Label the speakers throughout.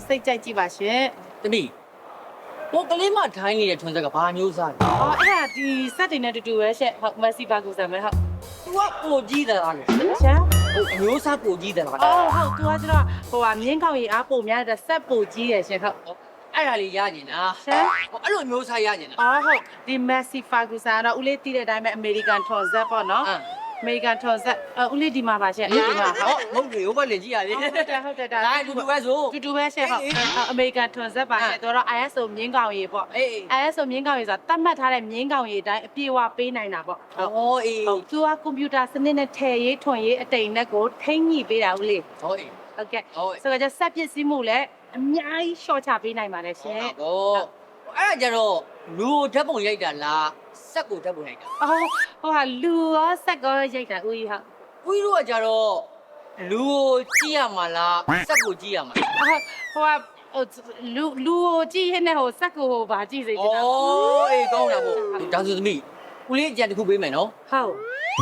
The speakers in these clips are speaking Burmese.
Speaker 1: စိတ်ကြိုက်ကြည့်ပါရှင်
Speaker 2: တမီးဟိုကလေးမထိုင်းနေတဲ့ထွန်းဆက်ကဘာမျိုးစားလဲ
Speaker 1: အော်အဲ့ဒါဒီစက်တွေနဲ့တူတူပဲရှင့်ဟုတ်မက်ဆီဘာကူဆန်ပဲဟုတ်
Speaker 2: သူကပိုကြီးတယ်လားလေ
Speaker 1: ရှာ
Speaker 2: ဟိုအမျိုးစားပိုကြီးတယ်လား
Speaker 1: အော်ဟုတ်သူကကျတော့ဟိုဟာမြင်းကောက်ရီအားပုံများတဲ့စက်ပိုကြီးတယ်ရှင်ဟုတ်
Speaker 2: အဲ့ဒါလေးရကျင်တာ
Speaker 1: ရှာ
Speaker 2: ဟိုအဲ့လိုမျိုးစားရကျင်တာ
Speaker 1: အော်ဟုတ်ဒီမက်ဆီဖာကူဆန်ကတော့ဦးလေးတီးတဲ့အတိုင်းပဲအမေရိကန်ထွန်ဇက်ပေါ့နော်အမေရိကန်ထွန်ဇက်ဦးလေးဒီမှာပါရှင်ဒီမှာဟုတ်
Speaker 2: မဟုတ်လေဟိုဘက်လည်းကြည့်ရလေ
Speaker 1: ဟုတ်တယ်ဒါ
Speaker 2: ဒါအတူတူပဲဆို
Speaker 1: တူတူပဲရှင့်ဟုတ်အမေရိကန်ထွန်ဇက်ပါရှင့်သူတော့ ISO မြင်းကောင်ရီပေါ့
Speaker 2: အေး
Speaker 1: ISO မြင်းကောင်ရီဆိုတာတတ်မှတ်ထားတဲ့မြင်းကောင်ရီအတိုင်းအပြည့်အဝပေးနိုင်တာပေါ့
Speaker 2: ဟောအေး
Speaker 1: ဟုတ်သူကကွန်ပျူတာစနစ်နဲ့ထည့်ရေးထွန်ရေးအတိမ်နဲ့ကိုထိမ့်ညှိပေးတာဦးလေး
Speaker 2: ဟောအေး
Speaker 1: ဟုတ်ကဲ့
Speaker 2: ဟုတ်
Speaker 1: ဆိုတော့ဆက်ပစ္စည်းမှုလည်းအများကြီးရှော့ချပေးနိုင်ပါတယ်ရှင်
Speaker 2: ဟောအဲ့ဒါကြတော့လူဓာတ်ပုံရိုက်တာလားစက်ကိုဓာတ်ပုံရိုက်တာ
Speaker 1: အော်ဟိုဟာလူရောစက်ရောရိုက်တာဦးကြီးဟုတ်
Speaker 2: ဦးတို့ကကြတော့လူကိုကြည့်ရမှာလားစက်ကိုကြည့်ရမှာလား
Speaker 1: ဟိုဟာလူကိုကြည့်ရတဲ့ဟိုစက်ကိုဟိုဗာကြည့်စေချင်တာ
Speaker 2: ဩအေးကောင်းတာပေါ့ဒါဆိုသမီးဦးလေးအကြံတစ်ခုပေးမယ်နော်
Speaker 1: ဟုတ်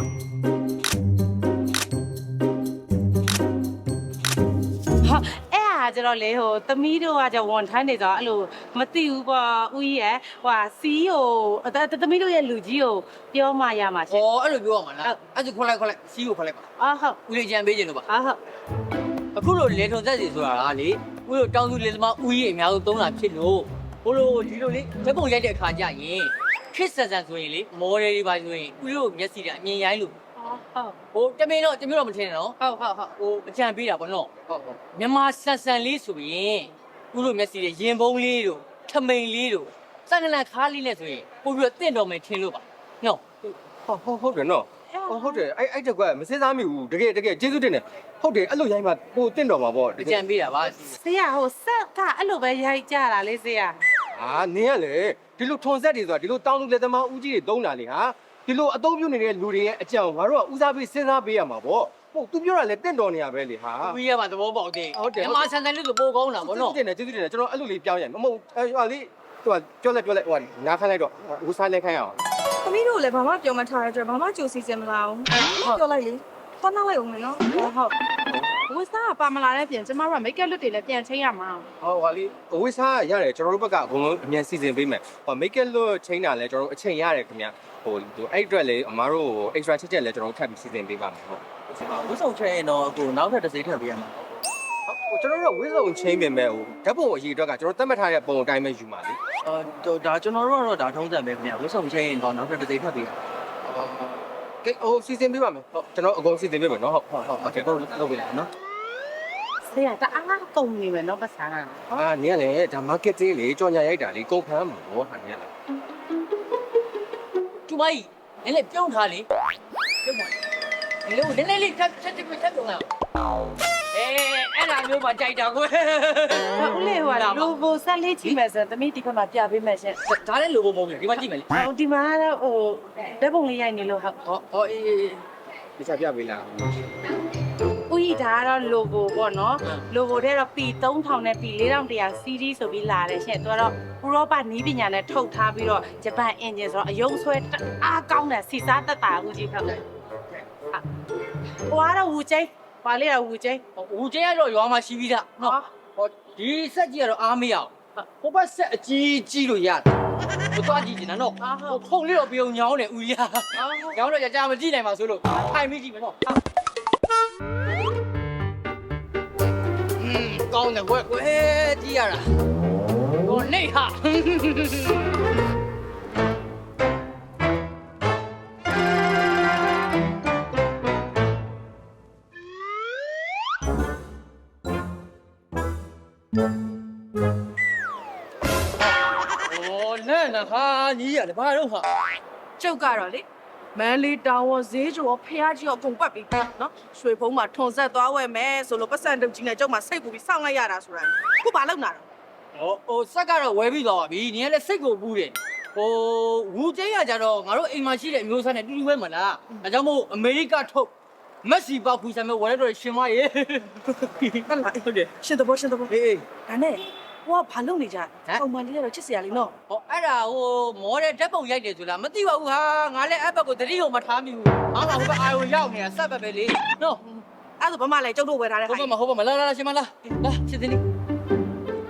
Speaker 1: ဟာအဲ့ဟာကျတော့လေဟိုသမီးတို့ကကျဝန်ထမ်းနေတော့အဲ့လိုမသိဘူးပေါ့ဦးကြီးရဲ့ဟိုဟာစီးကိုသမီးတို့ရဲ့လူကြီးကိုပြောမှရမှာရှင်
Speaker 2: ဩအဲ့လိုပြောရမှာလားအဲ့ဒါခွက်လိုက်စီးကိုခွက်လိုက်ပါ
Speaker 1: အော်ဟုတ်
Speaker 2: ဦးလေးအကြံပေးခြင်းလို့ပါ
Speaker 1: အော်ဟုတ်
Speaker 2: အခုလိုလေထုံဆက်စီဆိုတာကလေဦးတို့တောင်းစုလေသမားဦးကြီးအများဆုံးသုံးတာဖြစ်လို့ဘို့လို့ဒီလိုလေဓာတ်ပုံရိုက်တဲ့အခါကျရင်ခစ်ဆန်ဆန်ဆိုရင်လေမော်ဒယ်တွေပါဆိုရင်ဦးတို့မျက်စိကအမြင်ရိုင်းလို့
Speaker 1: ဟုတ်
Speaker 2: ဟိုတမင်းတော့တမျိုးတော့မထင်နဲ့နော်
Speaker 1: ဟုတ်ဟုတ်ဟုတ်
Speaker 2: ဟိုအကြံပေးတာပေါ့နော်ဟုတ်မြန်မာဆန်ဆန်လေးဆိုရင်ဦးတို့မျက်စိတွေရင်ပုံးလေးတို့ထမိန်လေးတို့စက္ကန့်ခါးလေးနဲ့ဆိုရင်ပို့ပြီးတော့တင့်တော်မယ်ထင်လို့ပါနော်
Speaker 3: ဟုတ်တယ်နော်ဟုတ်တယ်အဲ့တကွက်မစင်းစားမိဘူးတကယ်ကျေးဇူးတင်တယ်ဟုတ်တယ်အဲ့လိုရိုင်းမှပိုတင့်တော်မှာပေါ့
Speaker 2: အကြံပေးတာပါ
Speaker 1: ဆေးရဟိုဆက်ကအဲ့လိုပဲရိုက်ကြတာလေဆေးရ
Speaker 3: ဟာနင်းရလေဒီလိုထွန်ဆက်တွေဆိုတာဒီလိုတောင်းလူလက်သမားဦးကြီးတွေသုံးတာလေဟာဒီလိုအသုံးပြုနေတဲ့လူတွေရဲ့အကြံငါတို့ကဦးစားပေးစဉ်းစားပေးရမှာပေါ့ဟုတ်သူပြောတာလေတင့်တော်နေရပဲလေဟာ
Speaker 2: ဦးရမှာသဘောပေါက်တယ်မြန်မာဆန်ဆန်လေးဆိုပိုကောင်းတာပေါ့နော်
Speaker 3: ကျေးဇူးတင်တယ်ကျွန်တော်အဲ့လိုလေးပြောင်းရမဟုတ်ဟိုလေးဟိုပြောလိုက်ဟိုနားခိုင်းလိုက်တော့ဦးစားလိုက်ခိုင်းအောင်
Speaker 4: သမီးတို့လည်းဘာမှပြောမထားတဲ့အတွက်ဘာမှကြိုစီစင်မလာဘူးပြောလိုက်လေသွားနောက်လိုက်အောင်လေနော်
Speaker 1: ဟုတ်ဝစ်စားပါမလာတဲ့ပြင်ကျမတို့ကမိတ်ကပ်လွတ်တွေလည်းပြန်ချိန်ရမှာ
Speaker 3: ဟုတ်ပါလေဝိစားရတယ်ကျွန်တော်တို့ဘက်ကအကုန်လုံးအမြန်စီစဉ်ပေးမယ်ဟိုမိတ်ကက်လွတ်ချိန်တာလဲကျွန်တော်တို့အချိန်ရတယ်ခင်ဗျဟိုအဲ့အတွက်လေအမားတို့ extra ချက်လဲကျွန်တော်တို့ထပ်ပြီးစီစဉ်ပေးပါမယ်ဟုတ်
Speaker 2: ဝတ်ဆောင်ချဲရင်တော့အခုနောက်ထပ်တစ်စိမ့်ထပ်ပေးရမှာ
Speaker 3: ဟိုကျွန်တော်တို့ဝိစုံချင်းပြင်မဲ့ဟိုဓာတ်ပုံအရေးအတွက်ကကျွန်တော်သတ်မှတ်ထားတဲ့ပုံအတိုင်းပဲယူပါလေ
Speaker 2: ဒါကျွန်တော်တို့ကတော့ဒါထုံးစံပဲခင်ဗျဝတ်ဆောင်ချဲရင်တော့နောက်ထပ်တစ်စိမ့်ထပ်ပေးရ
Speaker 3: ကဲဟိုစီစဉ်ပေးပါမယ်ဟုတ်ကျွန်တော်အကုန်စီစဉ်ပေးမယ်နော်ဟုတ်ဟုတ်
Speaker 2: โอเคတော့လုပ်ပေးလိုက်နော်
Speaker 1: ဆေးရတအားကုန်နေမယ်နော်ပတ်စားက
Speaker 3: အာနင်ကလေဒါ market သေးလေကြော်ညာရိုက်တာလေကုန်ခန်းမှာဘောဟာနင်ကလေ
Speaker 2: ကျမကြီးနည်းနည်းပြုံးထားလေပြုံးပါလေနည်းနည်းလေးထပ်ပြုံးလာအဲ့ဒါမျိုးမှကြိုက်တာကို
Speaker 1: ဦးလေးဟိုကလူဘိုဆက်လေးကြည့်မယ်ဆိုသမီးဒီဘက်မှာပြပေးမယ်ရှင်
Speaker 2: ဒါလည်းလိုဖို့မဟုတ်ဘူးဒီမှာကြည့်မယ်လေ
Speaker 1: ဟိုဒီမှာတော့ဟိုဓာတ်ပုံလေးရိုက်နေလို့ဟုတ်
Speaker 2: ဟောအေး
Speaker 3: ဒီစားပြပေးလား
Speaker 1: ဦးကြီးဒါကတော့ logo ပေါ့နော် logo တဲ့တော့ P3000 နဲ့ P4100 CD ဆိုပြီးလာတယ်ရှင်သူကတော့ဥရောပနီးပညာနဲ့ထုတ်ထားပြီးတော့ဂျပန် engine ဆိုတော့အယုံဆွဲအားကောင်းတဲ့စီစားတက်တာဦးကြီးဟုတ်တယ်ဟိုကတော့ဝူကျိန်းပါလေတော့ဝူကျိန်း
Speaker 2: ဦးကျဲကတော့ရွာမှာရှိပြီးသားနော်ဟောဒီဆက်ကြီးကတော့အားမရအောင်ဟိုဘက်ဆက်အကြီးလို့ရတယ်ဟိုသွားကြည့်နေတာနော်ဟိုဖုန်လေးတော့ပြုံညောင်းတယ်ဦးရညောင်းတော့ကြာမကြည့်နိုင်ပါဆိုလို့ထိုင်မိကြည့်မယ်နော်ကောင်းတယ်ကွယ်ကြည့်ရတာဟိုနေဟာ那哈，你也得把肉哈。
Speaker 4: ကျုပ်ကတော့လေမန်းလေးတောင်ဝဈေးကျော်ဖះကြီးရောအကုန်ပတ်ပြီးနော်ရွှေဖုံးမှာထွန်ဆက်သွားဝဲမယ်ဆိုလို့ပတ်စံတုပ်ကြီးနဲ့ကျုပ်မှစိတ်ပူပြီးစောင့်လိုက်ရတာဆိုတာခုဘာလုပ်နာတော့
Speaker 2: ဟိုစက်ကတော့ဝဲပြီးသွားပါပြီ။你လည်းစိတ်ကိုပူးတယ်။ဟိုဝူကျင်းရကြတော့ငါတို့အိမ်မှာရှိတဲ့အမျိုးသားနဲ့တူတူပဲမလား။ဒါကြောင့်မို့အမေရိကထုတ်မက်ဆီပေါက်ဖူးဆံမဲ့ဝဲတော့ရှင်မရေ
Speaker 4: ဟုတ်လားဟုတ်တယ်ရှင်သဘောရှင်သဘော
Speaker 2: ။အေး
Speaker 4: ဒါနဲ့ဟိုကဘာလုပ်နေကြပုံမှန်လေးကတော့ချစ်စရာလေးနော်
Speaker 2: ဟောအဲ့ဒါဟိုမော်ဒယ်ဓာတ်ပုံရိုက်တယ်ဆိုလားမသိပါဘူးဟာငါလည်းအဲ့ဘက်ကိုတတိယမထားမိဘူး။ဟာငါဟိုဘက်အာရုံရောက်နေတာစက်ပဲလေ။နော်
Speaker 4: အဲ့ဒါဘာမှလည်းကျုပ်တို့ဝယ်ထားတဲ့
Speaker 2: ဟိုဘက်မှာလာရှင်မလား။လာစစ်တင်နေ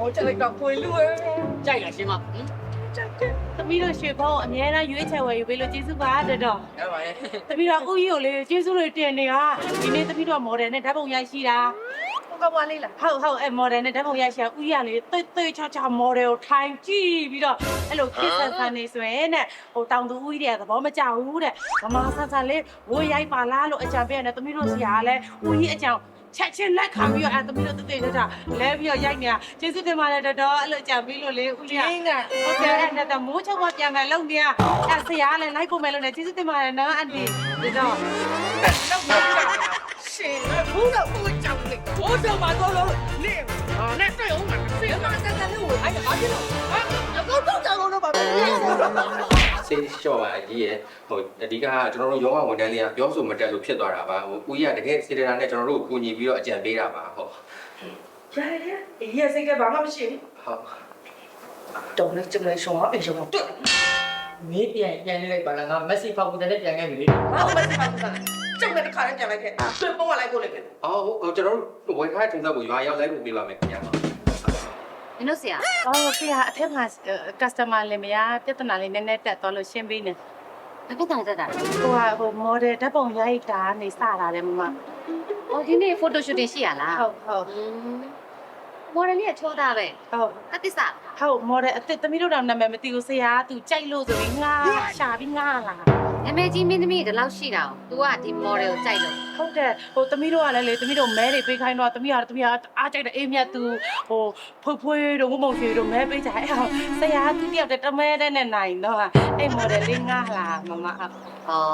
Speaker 4: ချက်လိုက်တော့ကိုလူရဲ့
Speaker 2: ကြိုက်လားရှင်မ
Speaker 1: သမီးတို့ရွှေဖုံးအများအားရွေးချယ်ဝယ်ယူပေးလို့ကျေးဇူးပါတော်တော်
Speaker 2: ရပါရဲ့
Speaker 1: သမီးတို့ဦးကြီးကိုလေကျေးဇူးတွေတင်နေတာဒီနေ့သမီးတို့မော်ဒယ်နဲ့ဓာတ်ပုံရိုက်ရှိတာ
Speaker 4: ကဘွားလေးလား
Speaker 1: ဟုတ်အဲ့မော်ဒယ်နဲ့ဓာတ်ပုံရိုက်ရှိတာဦးကြီးကလေတိတ်ချာမော်ဒယ်ကိုထိုင်ကြည့်ပြီးတော့အဲ့လိုခစ်ဆန်ဆန်နေဆိုရင်တဲ့ဟိုတောင်သူဦးကြီးတွေကသဘောမကျဘူးတဲ့မမဆန်ဆန်လေးဝိုးရိုက်ပါလားလို့အကြံပေးရတယ်သမီးတို့ဆရာကလည်းဦးကြီးအကြောင်းချက်ချင်းလက်ခံပြီးတော့အဲ့သမီးတို့တိတ်ချာလဲပြီးတော့ရိုက်နေတာကျေးဇူးတင်ပါတယ်တော်တော်အဲ့လိုအကြံပေးလို့လေဦးကြီးက
Speaker 4: င်းက
Speaker 1: ဟုတ်ကဲ့အဲ့ဒါမိုးချုပ်မှပြန်မယ်လုံနေရအဲ့ဆရာလည်းလိုက်ကုန်မယ်လို့လည်းကျေးဇူးတင်ပါတယ်နော်အန်တီဒါတော့
Speaker 4: တော့မကြောက်ရှင်ဘူးတော့ကိုကြောက်လေကိုကြောက်မှာတော့လို့နေနဲ့တွေ့အောင်မှာစေမဆက်ဆက်လို့အဲ့ဒါဘာဖြစ်လို့ဟာတော့ကြောက်လို့ပါပဲ
Speaker 3: စိတ်လျှော့ပါအကြီးရဲ့ဟိုအဓိကကျွန်တော်တို့ယောဂဝန်ထမ်းတွေကပြောဆိုမတက်လို့ဖြစ်သွားတာပါဟိုဦးကြီးကတကယ်စေတနာနဲ့ကျွန်တော်တို့ကိုကူညီပြီးတော့အကြံပေးတာပါဟုတ်
Speaker 4: ရတယ်ရေစိတ်ကဘာမှမရှိဘူး
Speaker 3: ဟုတ်
Speaker 4: တော့လည်းကျမလေးရှောင်းအောင်အေးရှောင်းအောင်တွေ့
Speaker 2: မင်းပြန်လိုက်ပါလားငါမက်ဆီဖောက်ကူတဲ့ပြန်ခဲ့ပြီလေ
Speaker 4: ဘာမှမသိပါဘူးစားကျုပ်လည်းတစ်ခါတည်းပြန်လိုက်ခဲ့ဆွေပုံကလိုက်ကိုလိုက်ခဲ့
Speaker 3: အော်ဟိုကျွန်တော်တို့ဝယ်ထားတဲ့ထုံးစက်ကိုရွာရောက်လိုက်ပို့ပေးပါမယ်ခင်ဗျာ
Speaker 5: မင်းတို့ဆရာ
Speaker 1: အော်ဆရာအထက်မှာ customer လည်းမရပြဿနာလေးနည်းနည်းတက်သွားလို့ရှင်းပေးနေ
Speaker 5: ဘာဖြစ်တာလဲတက်တာ
Speaker 1: ဟို model ဓာတ်ပုံရိုက်တာနေစတာလေမမ
Speaker 5: အော်ဒီနေ့ photo shooting ရှိရလား
Speaker 1: ဟုတ်
Speaker 5: မော်ဒယ်လေးကချောတာပဲ
Speaker 1: ဟုတ်
Speaker 5: အသစ္စာ
Speaker 1: ဟုတ် model အစ်သမီးတို့တော့နာမည်မသိဘူးဆရာကသူကြိုက်လို့ဆိုပြီးငါရှာပြီးငါလာ
Speaker 5: နာမည်ကြီးမင်းသမီးဒီလောက်ရှိတာ။ तू ကဒီ model ကိုကြိုက်လို့
Speaker 1: ဟုတ်တယ်ဟိုသမီးတို့ကလည်းလေသမီးတို့မဲတွေပေးခိုင်းတော့သမီးကအားကြိုက်တဲ့အေးမြတ်သူဟိုဖွေးတို့ဝုံမုံရွှေတို့မဲပေးကြအဲ့ဆရာကသူတယောက်တည်းတမဲတဲ့နဲ့နိုင်တော့အဲ့ model လေးငါလာမမ
Speaker 5: ။ဟော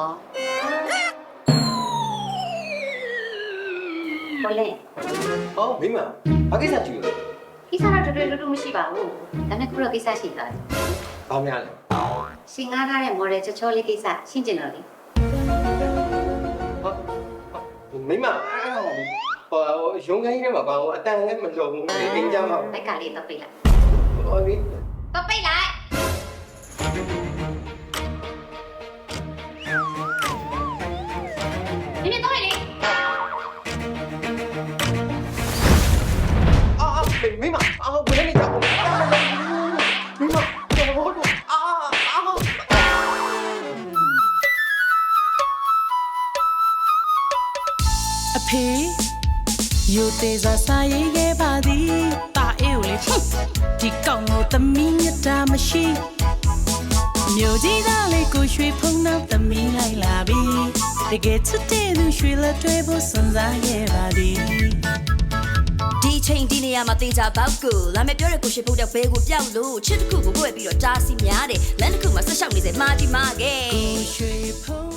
Speaker 5: ဘလဲ
Speaker 3: အော်မိမဘာကိစ္စကြည့်လို့
Speaker 5: ကိစ္စတော့တော်တော်တူမရှိပါဘူး။ဒါနဲ့ခုတော့ကိစ္စရှိသွားတယ်
Speaker 3: ဘာများလဲ
Speaker 5: ။ရှင်ငားထားတဲ့ model ချောချောလေးကိစ္စရှင်းကျင်တော့လေ
Speaker 3: မိမဟိုရုံးခိုင်းထဲမှာဘာလို့အတန်လည်းမလုံဘူးအင်းကြမှာ
Speaker 5: ။လိုက်ကလေးတော့ပိတ်လိုက်
Speaker 3: ဟောဒီ
Speaker 5: ။တော့ပိတ်လိုက်။ဒီနေ့တော့လေ
Speaker 3: မိမအော်ဘယ်နဲ့ကြောက်မိမတော်လို့
Speaker 6: အဖေယိုသေးစွာစာရေးခဲ့ပါသည်တာအေးကိုလေဒီကောင်ကိုသမီးမြတ်တာမရှိမြို့ကြီးသားလေးကိုရွှေဖုံးနောက်သမီးလိုက်လာပြီတကယ်ချစ်တဲ့သူရွှေလက်တွေဖို့စွန့်စားခဲ့ပါသည်
Speaker 7: ဒီချိန်ဒီနေရာမှာတေချာပေါက်ကိုလာမယ်ပြောတဲ့ကိုရှိဖို့တဲ့ဘဲကိုပြောက်လို့ချစ်တစ်ခုကိုကိုယ်ပြီးတော့တားစီများတယ်လမ်းတစ်ခုမှာဆက်လျှောက်နေစေမာတီမာခဲ့
Speaker 6: ကိုရွှေဖုံး